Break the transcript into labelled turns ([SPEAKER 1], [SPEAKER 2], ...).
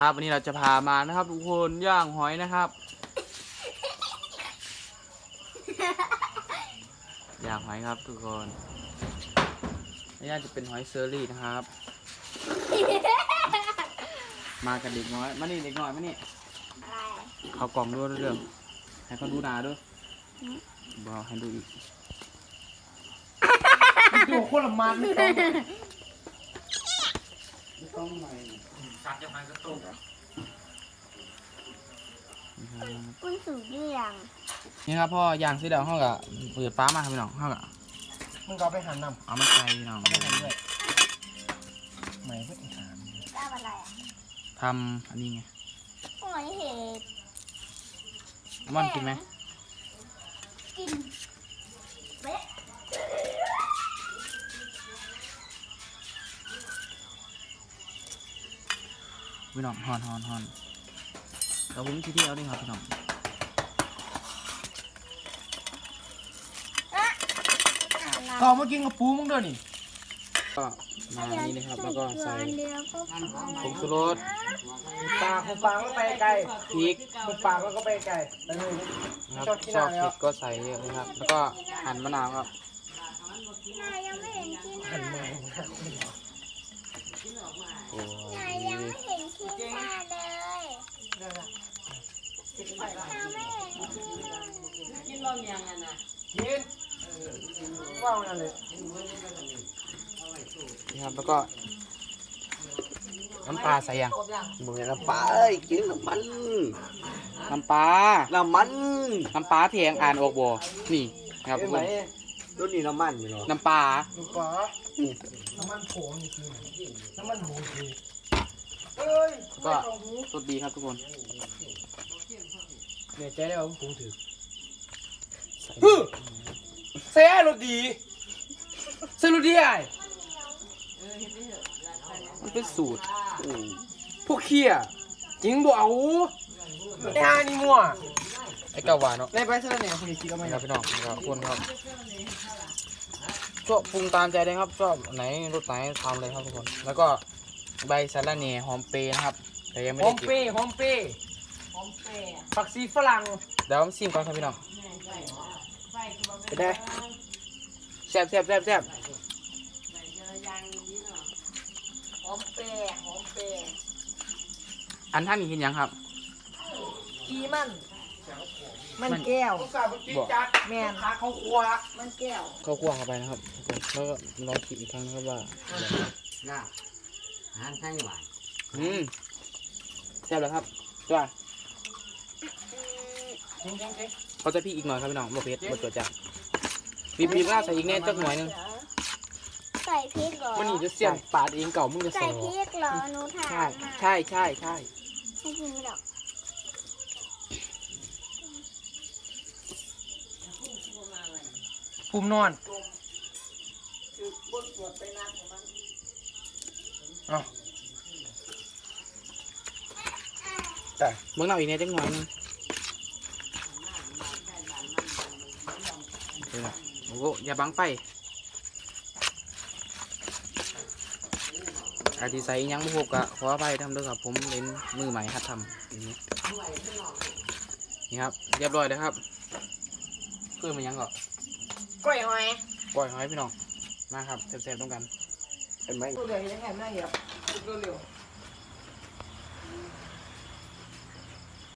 [SPEAKER 1] ครับวันนี้เราจะพามานะครับทุกคนย่างหอยนะครับย่างหอยครับทุกคนนี่จะเป็นหอยเซอรี่นะครับมากันเด็กน้อยมานี่เด็กน้อยมานี่เขากล่องด้วยเรื่องให้เขาดูหนาด้วยบอกให้ดูอีก
[SPEAKER 2] ดูคนละมันไม่ต้องใหม่สัตว์จะมันก็ตก
[SPEAKER 3] กุ้งสูงเรียง
[SPEAKER 1] นี่ครับพ่อย่างซีเดาห้องกับเปิดฟ้ามาครับพี่น้องห้องกับ
[SPEAKER 2] มึงก็ไปหันนำ
[SPEAKER 1] เอามาใส่พี่น้อง
[SPEAKER 2] ไม่หันด้วยใหม่เพื่อหาร
[SPEAKER 3] ทำอะไรอ่ะ
[SPEAKER 1] ทำอันนี้ไง
[SPEAKER 3] หอยเห็ด
[SPEAKER 1] ม่อนกินไหม
[SPEAKER 3] กินเบ๊ะ
[SPEAKER 1] พี่น้องฮอนเราผมที่เอาดิครับพี่น้อง
[SPEAKER 2] ก็มากินกับปูมึงด้วยนี่
[SPEAKER 1] ก็มาอันนี้นะครับแล้วก็ใส่ผงชูรส
[SPEAKER 2] ปากแล้วไปไกล
[SPEAKER 1] พริก
[SPEAKER 2] ปากแล้วก็ไปไกลไปเลย
[SPEAKER 1] ครับชอบเผ็ดก็ใส่เยอะนะครับแล้วก็หั่นมะนาวครับ
[SPEAKER 3] นายยังไม่เห็นกิน
[SPEAKER 2] หันมา
[SPEAKER 1] โอ้
[SPEAKER 3] นายยังไม่เห็นกินมาเลยนายไม่เห็นกิน
[SPEAKER 4] กินบ่มีอย่างนั้นนะ
[SPEAKER 2] กินว้าวนั่นเลย
[SPEAKER 1] นี่ครับแล้วก็น้ำปลาใส่ยัง
[SPEAKER 5] มึงน้ำปลาเอ้ยกินน้ำมัน
[SPEAKER 1] น้ำปลาเทียงอ่านออกบ่นี่ครับทุกคน
[SPEAKER 5] รุ่นนี้น้ำมันอยู่หรอ
[SPEAKER 1] น้ำปลา
[SPEAKER 2] น้ำมันโผล่นี่คือน้ำมันหมูคือเอ้ย
[SPEAKER 1] ก็สดดีครับทุกคน
[SPEAKER 2] เนี่ยใจได้ว่าผมปรุงถือเสียรสดีเสียรสดีไอ้
[SPEAKER 1] มันเป็นสูตร
[SPEAKER 2] พวกเขี้ยจริงบ่เอาไอ้ห่านี่มั่ว
[SPEAKER 1] ไอ้เกาหวานเนาะ
[SPEAKER 2] ในไปเท่าไหร่คุณคิดเอาไหม
[SPEAKER 1] ครับพี่น้องครับคนครับชอบปรุงตามใจเลยครับชอบไหนรสไหนทำเลยครับทุกคนแล้วก็ใบสะระแหน่หอมเปรย์นะครับแต่ยังไม่ได้เก็บ
[SPEAKER 2] หอมเปรย์ผักชีฝรั่ง
[SPEAKER 1] เดี๋ยวชิมก่อนครับพี่น้อง
[SPEAKER 2] ไปได้
[SPEAKER 1] แซ่บ
[SPEAKER 4] หอมเปย์
[SPEAKER 1] อันท่านมีกินยังครับ
[SPEAKER 4] กีมันแก้ว
[SPEAKER 1] บอก
[SPEAKER 4] แม่น
[SPEAKER 2] ขาเขาครัว
[SPEAKER 4] มันแก้ว
[SPEAKER 1] ข้าวคั่วเข้าไปนะครับแล้วก็ลองคิดอีกครั้งนะครับว่า
[SPEAKER 5] น่าอาหารไทยหวาน
[SPEAKER 1] แซ่บแล้วครับจ้าเขาจะพี่อีกหน่อยครับพี่น้องบะเพ็ดบะตัวจักบีบล่าใส่อีกแน่จักหน่อยนึง
[SPEAKER 3] ใส่พริกเหรอ
[SPEAKER 1] วันนี้จะเสียนปาดเองเก่ามึงจะ
[SPEAKER 3] ใส่พริกเหรอหนูถาม
[SPEAKER 1] ใช่
[SPEAKER 3] ให้กินไม่หรอก
[SPEAKER 2] ภูมินอนเอา
[SPEAKER 1] แต่เมื่อเราอีกแน่จักหน่อยนึงโอ้โหอย่าบังไฟอาทิใส่ยังบุกกะขอไปทำด้วยครับผมเล่นมือใหม่หัดทำนี่ครับเรียบร้อยแล้วครับเพื่อมันยังก่อน
[SPEAKER 4] กล้วยหอย
[SPEAKER 1] พี่น้องมาครับแซ่บๆต้องกัน
[SPEAKER 2] เห็นไหมตัวเดียวยังไงไม่ได้เหรอตัวเร็ว